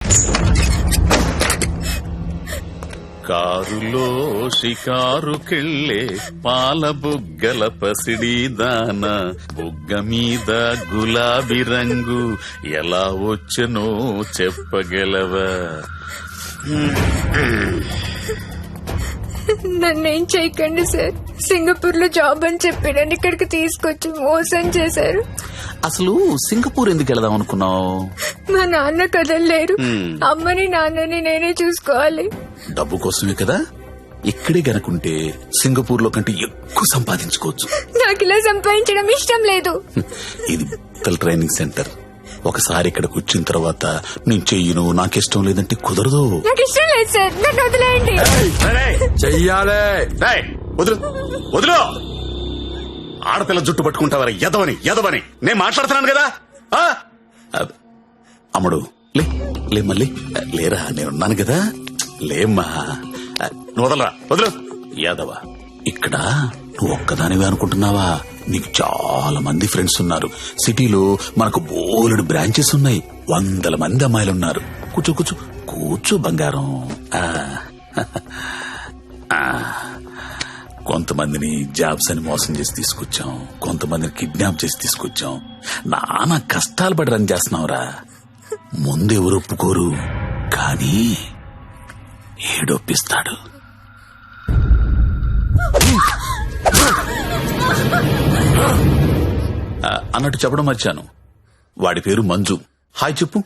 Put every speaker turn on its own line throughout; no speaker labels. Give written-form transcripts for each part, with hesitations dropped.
కారులో షికారుకెళ్ళే పాల బుగ్గల పసిడి దాన బుగ్గ మీద గులాబీ రంగు ఎలా వచ్చనో చెప్పగలవా?
నన్నేం చేయకండి సార్. సింగపూర్ లో జాబ్ అని చెప్పి నన్ను ఇక్కడికి తీసుకొచ్చి మోసం చేశారు.
అసలు సింగపూర్ ఎందుకు వెళదాం అనుకున్నావు?
మా నాన్న కదలలేరు. అమ్మని నాన్నని నేనే చూసుకోవాలి.
డబ్బు కోసమే కదా. ఇక్కడే గనుకుంటే సింగపూర్ లో కంటే ఎక్కువ సంపాదించుకోవచ్చు.
నాకు ఇలా సంపాదించడం ఇష్టం లేదు.
ఇది ట్రైనింగ్ సెంటర్. ఒకసారి ఇక్కడికి వచ్చిన తర్వాత నేను చెయ్యను, నాకిష్టం లేదంటే కుదరదు.
నాకు ఇష్టం లేదు సార్, నన్ను వదిలేయండి.
చెయ్యాలే.
వదులు వదులు. ఆడపిల్ల జుట్టు పట్టుకుంటావరా? ఎదవని ఎదవని నేను మాట్లాడుతున్నాను కదా. అమ్ముడు లే మళ్ళీ లేరా, నేనున్నాను కదా. లేమ్మా, నువ్వు వదలరా, వదులు. యాదవ, ఇక్కడ నువ్వు ఒక్కదానివే అనుకుంటున్నావా? నీకు చాలా మంది ఫ్రెండ్స్ ఉన్నారు. సిటీలో మనకు బోలెడు బ్రాంచెస్ ఉన్నాయి. 100 మంది అమ్మాయిలున్నారు. కూర్చో కూర్చో కూర్చో బంగారం. కొంతమందిని జాబ్స్ అని మోసం చేసి తీసుకొచ్చాం, కొంతమందిని కిడ్నాప్ చేసి తీసుకొచ్చాం. నానా కష్టాలు పడి రన్ చేస్తున్నావురా. ముందెవరు ఒప్పుకోరు, కానీ ఏడొప్పిస్తాడు. అన్నట్టు చెప్పడం మర్చాను, వాడి పేరు మంజు. హాయ్ చెప్పు.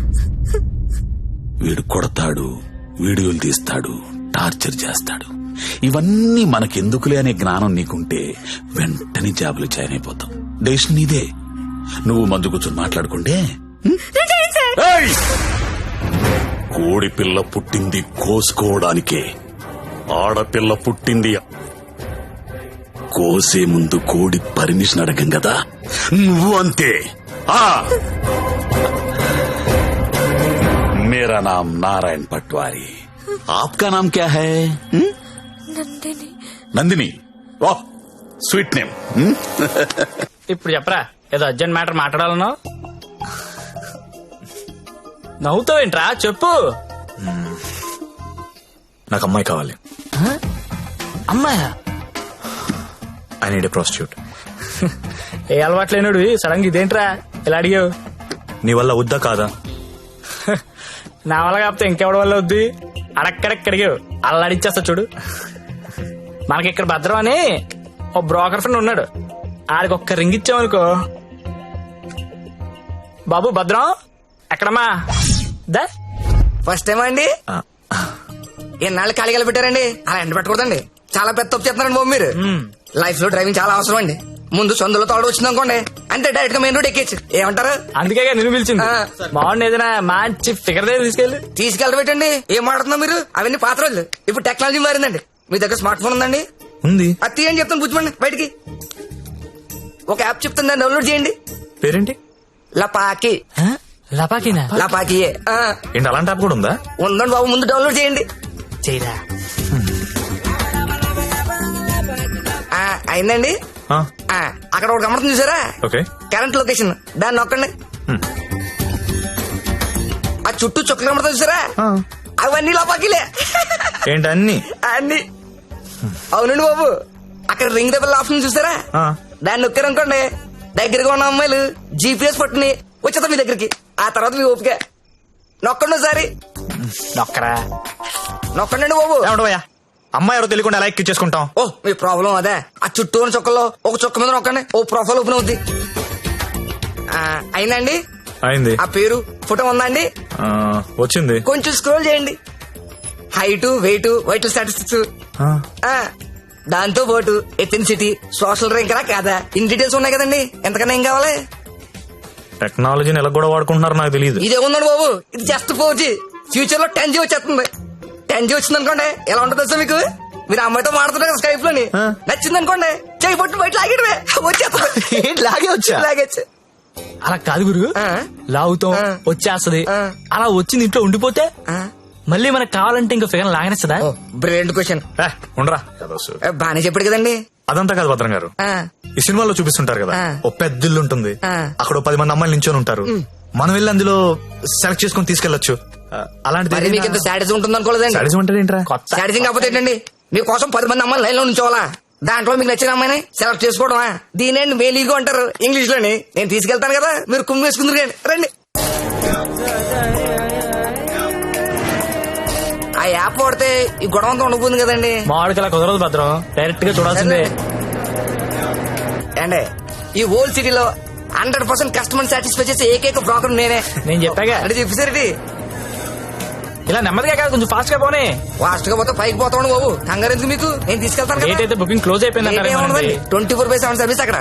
వీడు కొడతాడు, వీడియోలు తీస్తాడు, టార్చర్ చేస్తాడు. ఇవన్నీ మనకెందుకులే అనే జ్ఞానం నీకుంటే వెంటనే జాబులు జాయిన్ అయిపోతాం. డెసిషన్ నీదే. నువ్వు మంజు కూర్చొని మాట్లాడుకుంటే. కోడి పిల్ల పుట్టింది కోసుకోవడానికే, ఆడపిల్ల పుట్టింది కోసే ముందు కోడి పర్మిషన్ అడగం కదా. నువ్వు అంతే. मेरा नाम नारायण पटवारी, आपका नाम क्या है?
నందిని.
నందిని, వాహ్ స్వీట్ నేమ్.
ఇప్పుడు చెప్పరా, ఏదో అర్జెంట్ మ్యాటర్ మాట్లాడాలన్నావు. నవ్వుతావేంట్రా, చెప్పు.
నాకు అమ్మాయి కావాలి.
అమ్మాయా?
I need a prostitute.
ఏ అలవాటు లేనుడు సడన్ గా ఇదేంట్రా ఇలా అడిగావు?
నీ వల్ల వద్దా కాదా?
నా వల్ల కాకపోతే ఇంకెవడి వల్ల వద్దు. అడక్కడక్కడిగావు, అలా అడిచేస్తా చూడు. మనకి ఇక్కడ భద్రం అని ఓ బ్రోకర్ ఫ్రెండ్ ఉన్నాడు. ఆడికి ఒక్క రింగ్ ఇచ్చామనుకో. బాబు భద్రం ఎక్కడమ్మా? దా
ఫస్ట్ టైం అండి. ఎన్నాళ్ళు ఖాళీగా పెట్టారండి, అలా ఎండ పెట్టకూడదండి. చాలా పెద్ద తప్పు చేస్తున్నారండి బాబు మీరు. లైఫ్ లో డ్రైవింగ్ చాలా అవసరం అండి. ముందు సొందులో తోడు వచ్చింది అనుకోండి, అంటే డైరెక్ట్ గా మెయిన్ రోడ్ ఎక్కేచ్చు. ఏమంటారు?
అందుకే నిన్ను పిలిచింది. బాగుంది, ఏదైనా మంచి ఫిగర్ దగ్గర
తీసుకెళ్ళబెట్టండి. ఏం మాట్లాడుతున్నా మీరు? అవన్నీ పాత రోజులు. ఇప్పుడు టెక్నాలజీ మారిందండి. మీ దగ్గర స్మార్ట్ ఫోన్ ఉందండి?
ఉంది.
అది తీయండి చెప్తాను, బుజ్జిమండి బయటికి. ఒక యాప్ చెప్తాను, దాన్ని డౌన్లోడ్ చేయండి.
పేరేంటి?
లపాకి.
లపాకినా?
లపాకియే.
ఏంటి అలాంటి యాప్ కూడా ఉందా?
ఉందండి బాబు, ముందు డౌన్లోడ్ చేయండి.
చేయరా.
అయిందండి. అక్కడ ఒకటి గమనం చూసారా?
ఓకే.
కరెంట్ లొకేషన్, దాన్ని నొక్కండి. ఆ చుట్టూ చుక్కలు కమడతా చూసారా? అవన్నీ లోపాకిలే.
ఏంటి అన్ని?
అన్ని. అవునండి బాబు, అక్కడ రింగ్ ద బెల్ ఆప్షన్ చూసారా? దాన్ని నొక్కారనుకోండి, దగ్గరగా ఉన్న అమ్మాయిలు జీపీఎస్ పట్టుని వచ్చేద్దాం మీ దగ్గరికి. ఆ తర్వాత మీ ఓపిక. నొక్కండి ఒకసారి.
నొక్కరా.
నొక్కండి బాబు.
ఏమంటావయ్యా, అమ్మాయి ఎవరో తెలియకుండా ఎలా ఎక్కించేసుకుంటాం?
ఓ మీ ప్రాబ్లం అదే. ఆ చుట్టూ ఉన్న చుక్కల్లో ఒక చుక్క మీద నొక్కండి, ఓ ప్రొఫైల్ ఓపెన్ అవుద్ది. అయిందండి?
అయింది.
ఆ పేరు ఫోటో ఉందా అండి?
వచ్చింది.
కొంచెం స్క్రోల్ చేయండి. హైట్, వెయిట్, వైటల్ స్టాటిస్టిక్స్, దాంతో పాటు ఎథెన్సిటీ, సోషల్ ర్యాంక్ రా కాదా, ఇన్ డీటెయిల్స్ ఉన్నాయి కదండి. ఎంతకన్నా ఏం కావాలి?
టెక్నాలజీని ఎలా కూడా వాడుకుంటున్నారో నాకు తెలియదు.
ఇదే ఉందండి బాబు, ఇది జస్ట్ 4G. ఫ్యూచర్ లో 10G వచ్చేస్తుంది. 10G వచ్చింది అనుకోండి, ఎలా ఉంటుంది సార్ మీకు? మీరు అమ్మాయితో మాడుతున్నారు కదా స్కైప్ లోని, నచ్చింది అనుకోండి, చేయి పట్టు బయట లాగేయడమే, వచ్చేస్తుంది. లాగేచ్చు.
అలా కాదు గురు, లాగుతాం వచ్చేస్తది. అలా వచ్చింది ఇంట్లో ఉండిపోతే మళ్ళీ మనకు కావాలంటే ఇంకా ఫిగర్ లాగనేస్తుందా?
Brilliant question.
ఉండరా,
బానే చెప్పాడు కదండి.
అదంతా కాదు భద్రం గారు, ఈ సినిమాలో చూపిస్తుంటారు కదా, ఓ పెద్ద ఇల్లు ఉంటుంది, అక్కడ 10 మంది అమ్మాయిలు నించొని ఉంటారు. మనం వెళ్ళి అందులో సెలెక్ట్ చేసుకుని తీసుకెళ్లొచ్చు. అలాంటిది
మరి మీకు ఇంత శాడిజం ఉంటుంది అనుకోలేదండి.
సాడిజం అంటే ఏంట్రా?
కొత్త
శాడిజం కాకపోతే ఏంటండి, మీకోసం 10 మంది అమ్మాయిలు లైన్ లో ఉంచోవాలా, దాంట్లో మీకు నచ్చిన అమ్మాయిని సెలెక్ట్ చేసుకోవడమా? దీనేండి మేలీగో అంటారు ఇంగ్లీష్ లోని. నేను తీసుకెళ్తాను కదా, మీరు కుమ్మి వేసుకుందరు కానీ రండి. ఆ యాప్ వాడితే ఈ గొడవ అంతా ఉండబోతుంది కదండి.
మామిడికి అలా కుదరదు భద్రం, డైరెక్ట్ గా చూడాల్సిందే.
అండి ఈ ఓల్డ్ సిటీలో 100% కస్టమర్ సాటిస్ఫై చేసే ఏకైక బ్రోకర్ నేనే.
నేను చెప్పాగా
అంటే చెప్పేసరికి
ఇలా నెమ్మదిగా కాదు, కొంచెం ఫాస్ట్ గా పోనీ.
ఫాస్ట్ గా పోతే పైకి పోతాను బాబు, కంగారు ఎందుకు మీకు, నేను తీసుకెళ్తాను
డేట్ అయితే బుకింగ్ క్లోజ్ అయిపోయింది అంటారు.
24/7 సర్వీస్ అక్కడ.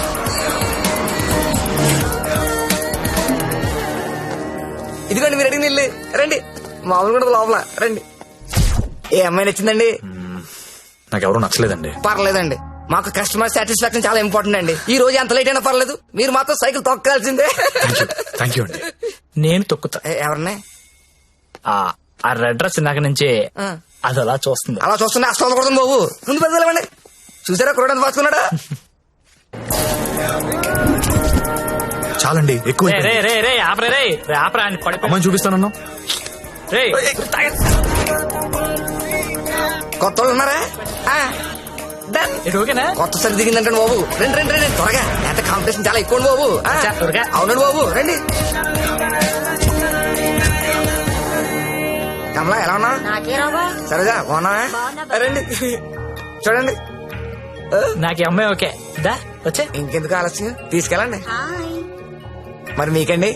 ఇదిగోండి మీరు అడిగిన ఇల్లు, రండి. మామూలు కూడా లోపల రండి. ఏ అమ్మాయి నచ్చిందండి?
నాకెవరూ నచ్చలేదండి.
పర్లేదండి, మాకు కస్టమర్ సాటిస్ఫాక్షన్ చాలా ఇంపార్టెంట్ అండి. ఈ రోజు ఎంత లేట్ అయినా పర్లేదు, మీరు మాత్రం సైకిల్ తొక్కాల్సిందే.
థ్యాంక్ యూ అండి.
నేను తొక్కుతా.
ఎవరిని?
ఆ రెడ్ డ్రెస్ ఇందాక నుంచి అది అలా చూస్తుంది.
అలా చూస్తుంటే అస్తం కొడుతుంది బాబు, ముందు పెద్దలేమండి. చూసారా కురడానికి పాసుకున్నాడా?
చాలండి, ఎక్కువ
రే రే రే రే ఆపరే రే రే ఆపరా అని పడి
అమ్మాయిని చూపిస్తానన్నా.
రే
కొత్త వాళ్ళు ఉన్నారా? Done.
ఇది ఓకేనా?
కొత్త సరి దిగిందంటే బాబు, రండి రండి రండి త్వరగా. ఎంత కాంపిటీషన్ చాలా ఎక్కువ బాబు.
త్వరగా.
అవునండి బాబు, రండి. కమలా ఎలా ఉన్నా? సరేగా బాగున్నా? రండి చూడండి.
నాకు ఈ అమ్మాయి ఓకే. దా వచ్చే.
ఇంకెందుకు ఆలస్యం, తీసుకెళ్ళండి. మరి మీకండి?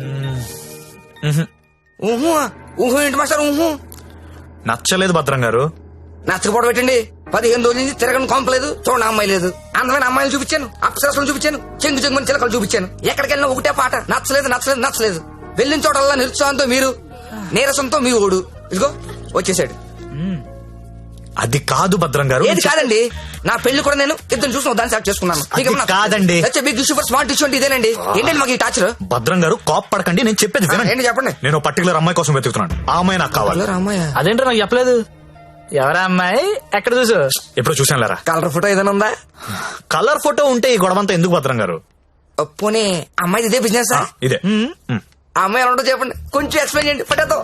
ఊహు ఊహు ఏంటి మాస్టర్? ఊహు
నచ్చలేదు భద్రం గారు.
నచ్చకపోవడం పెట్టండి. 15 రోజుల నుంచి తిరగని కొంపలేదు, చూడండి అమ్మాయి లేదు. అందమైన అమ్మాయిలు చూపించాను, అప్సరసలు చూపించాను, చెంగు చెంగుని చిలకలు చూపించాను. ఎక్కడికి వెళ్ళినా ఒకటే పాట, నచ్చలేదు నచ్చలేదు నచ్చలేదు. వెళ్ళిన చోటల్లా నిరుత్సాహంతో మీరు, నీరసంతో మీ ఓడు. ఇదిగో వచ్చేసాడు.
అది కాదు భద్రం గారు.
ఏది కాదండి, నా పెళ్లి కూడా నేను ఇద్దరు చూసిన దాన్ని సెలెక్ట్ చేసుకున్నాను.
అది కాదండి.
Big issue for smart issue అంటే ఇదేనండి. ఏంటండి మాకు ఈ టాచర్?
భద్రం గారు కోప్ పడకండి, నేను చెప్పేది వినండి.
ఏంటి చెప్పండి.
నేను పర్టికులర్ అమ్మాయి కోసం వెతుకుతున్నాను. ఆ అమ్మాయి నాకు కావాలి.
అమ్మాయి
అదేంటో నాకు చెప్పలేదు. ఎవరా అమ్మాయి? ఎక్కడ చూసు?
ఎప్పుడు చూసాను లేరా.
కలర్ ఫోటో ఏదైనా ఉందా?
కలర్ ఫోటో ఉంటే ఈ గొడవంతా ఎందుకు భద్రం గారు?
పోనీ అమ్మాయి ఇదే బిజినెస్?
ఇదే.
ఆ అమ్మాయి ఎలా ఉంటుందో చెప్పండి, కొంచెం ఎక్స్ప్లెయిన్ చేయండి ఫోటోతో.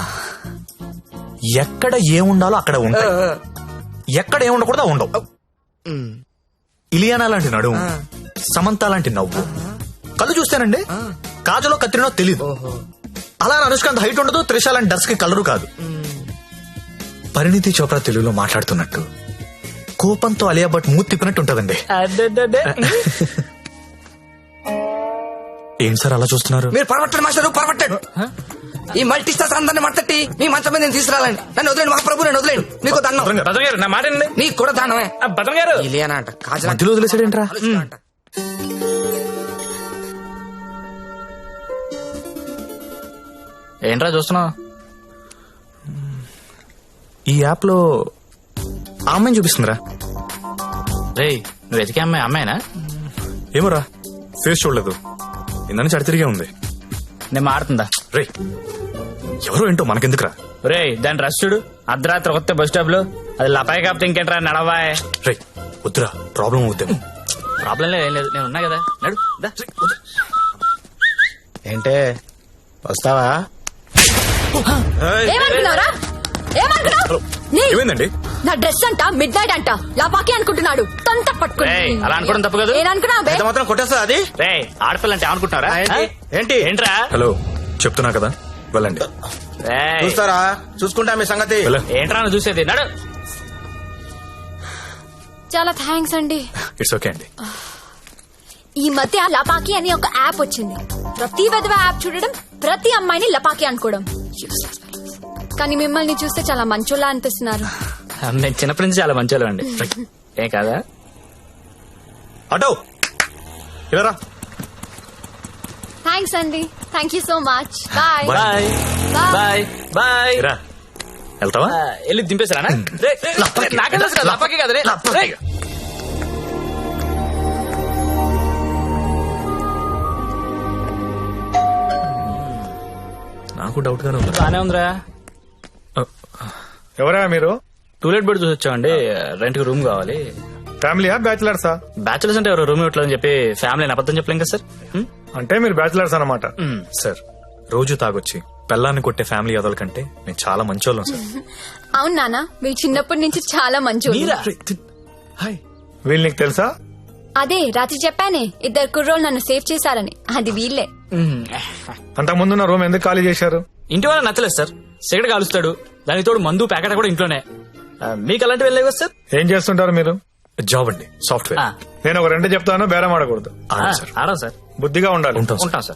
ఎక్కడ ఏముండాలో అక్కడ ఉంటాయి, ఎక్కడ ఏముండకూడదు ఉండవు. ఇలియానా లాంటి నడుము, సమంత లాంటి నవ్వు, కళ్ళు చూస్తానండి కాజలో కత్తిరినో తెలీదు. అలా అనుష్కాంత్ హైట్ ఉండదు, త్రిష లాంటి డస్ కి కలరు కాదు. పరిణితి చోప్రా తెలుగులో మాట్లాడుతున్నట్టు, కోపంతో అలియా భట్ మూతి తిప్పినట్టు ఉంటదండి. ఏం సార్ అలా చూస్తున్నారు?
మీరు పరమట్టండి మాస్టర్, పరమట్టండి. ఈ మల్టీ స్టార్స్ అందరిని మట్టట్టి మీ మంచం మీద నేను తీసుకురాలండి. నన్ను వదిలేండి మహాప్రభు, నన్ను వదిలేండి. మీకు దండం.
భద్రం గారు నా మాట వినండి.
నీకు కూడా దానమే.
భద్రం గారు
ఇలియానా అంట, కాజల్
మధ్యలో వదిలేసాడేంట్రా?
అంట.
ఏంట్రా చూస్తున్నావు?
ఈ యాప్ లో ఆ అమ్మాయిని చూపిస్తుందిరా.
రే నువ్వు వెతికే అమ్మాయి అమ్మాయినా?
ఏమోరా, ఫేస్ చూడలేదు, ఇందని చడి తిరిగే ఉంది.
నేను మాడుతుందా?
రే ఎవరో ఏంటో మనకెందుకురా.
రే దాని రష్ చూడు, అర్ధరాత్రి కొత్త బస్ స్టాప్ లో. అది లపాయి కాపుతే ఇంకేంట్రా నడవాయ్.
రే వద్దురా, ప్రాబ్లం అవుద్దేమో.
ప్రాబ్లం లేదు, ఏం లేదు, నేను ఉన్నా కదా. నడు దా.
ఏంటే వస్తావా?
ఏమనుకున్నారా? ఏమనుకున్నావు? నీ
ఏమైందండి?
నా డ్రెస్ అంట మిడ్ నైట్ అంట లాపాకి అనుకుంటున్నాడు. తొంత పట్టుకుని
రేయ్, అలా అనుకోవడం తప్పు కాదు.
నేననుకున్నా
ఎంత మాత్రం కొట్టేస్తా అది?
రే ఆడపిల్ల అంటే అనుకుంటున్నారా?
ఏంటి?
ఏంట్రా?
హలో చెప్తున్నా కదా, వెళ్ళండి.
రేయ్,
చూస్తారా? చూసుకుంటా మీ సంగతి.
వెళ్ళ.
ఏంట్రా నువ్వు చూసేది? నడు.
చాలా థ్యాంక్స్ అండి.
ఇట్స్ ఓకే అండి.
ఈ మధ్య లపాకి అని ఒక యాప్ వచ్చింది. ప్రతి విధవ యాప్ చూడడం, ప్రతి అమ్మాయిని లపాకి అనుకోవడం. Useless fellows. కానీ మిమ్మల్ని చూస్తే చాలా మంచోళ్ళ అనిపిస్తున్నారు.
నేను చిన్నప్పటి నుంచి చాలా మంచోళ్ళు అండి. ఏం కాదా?
అటో ఇలా
థ్యాంక్స్ అండి. Thank you so much. Bye
bye bye bye.
రా. వెళ్తావా?
వెళ్ళి దింపేశారా? నాకే తెలుసు కదా, లపాకి కదా. రే
నాకు డౌట్ గానే ఉంది.
బానే ఉందిరా.
ఎవరా మీరు?
టూలెట్ బెడ్ చూసి వచ్చామండి. రెంట్ కి రూమ్ కావాలి.
ఫ్యామిలీయా బ్యాచిలర్సా?
బ్యాచులర్స్ అంటే ఎవరు రూమ్ ఇవ్వట్లేదని చెప్పి ఫ్యామిలీ అబద్ధం చెప్పలేం కదా సార్.
అంటే మీరు బ్యాచిలర్స్ అన్నమాట.
సార్ రోజు తాగొచ్చి పెళ్ళాన్ని కొట్టే ఫ్యామిలీ అదల కంటే నేను చాలా మంచోళ్ళం సార్.
అవును నాన్న మీరు చిన్నప్పటి నుంచి చాలా మంచి
మీరా?
హాయ్, వీళ్ళు నీకు తెలుసా?
అదే రాత్రి చెప్పానే 2 కుర్రోళ్ళు నన్ను సేవ్ చేశారని అది వీళ్ళే.
అంతకుముందు నా రూమ్ ఎందుకు ఖాళీ చేశారు?
ఇంటి వాళ్ళ నచ్చలేదు సార్. సిగరెట్ కాలుస్తాడు, దానికి తోడు మందు ప్యాకెట్ కూడా ఇంట్లోనే. మీకు అలాంటివి వెళ్ళలేవు కదా సార్?
ఏం చేస్తుంటారు మీరు? జాబ్ అండి, సాఫ్ట్వేర్.
ఆ.
నేను ఒక 2 చెప్తాను, బేరం ఆడకూడదు. సార్
ఆడం సార్.
బుద్ధిగా ఉండాలి.
ఉంటాం సార్.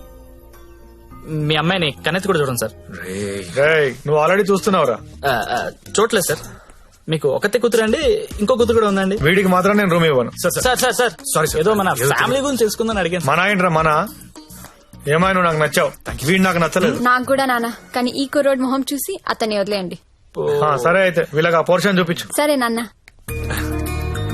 మీ అమ్మాయిని కన్నెత్తి కూడా చూడండి సార్.
రేయ్, నువ్వు ఆల్రెడీ చూస్తున్నావురా.
చూడలేదు సార్. మీకు ఒకతే కూతురు అండి, ఇంకో కూతురు కూడా ఉందండి.
వీడికి మాత్రం నేను రూమ్ ఇవ్వను.
సార్ సారీ ఏదో మన ఫ్యామిలీ గురించి తెలుసుకుందని అడిగాను.
మన ఏంట్రా మన? ఏమైనా నువ్వు నాకు నచ్చావు, వీడు నాకు నచ్చలేదు.
నాకు కూడా నాన్న, కానీ ఈ కుర్రోడ్ మొహం చూసి అతన్ని వదిలేయండి.
సరే అయితే వీళ్ళకి ఆ పోర్షన్ చూపించు.
సరే నాన్న.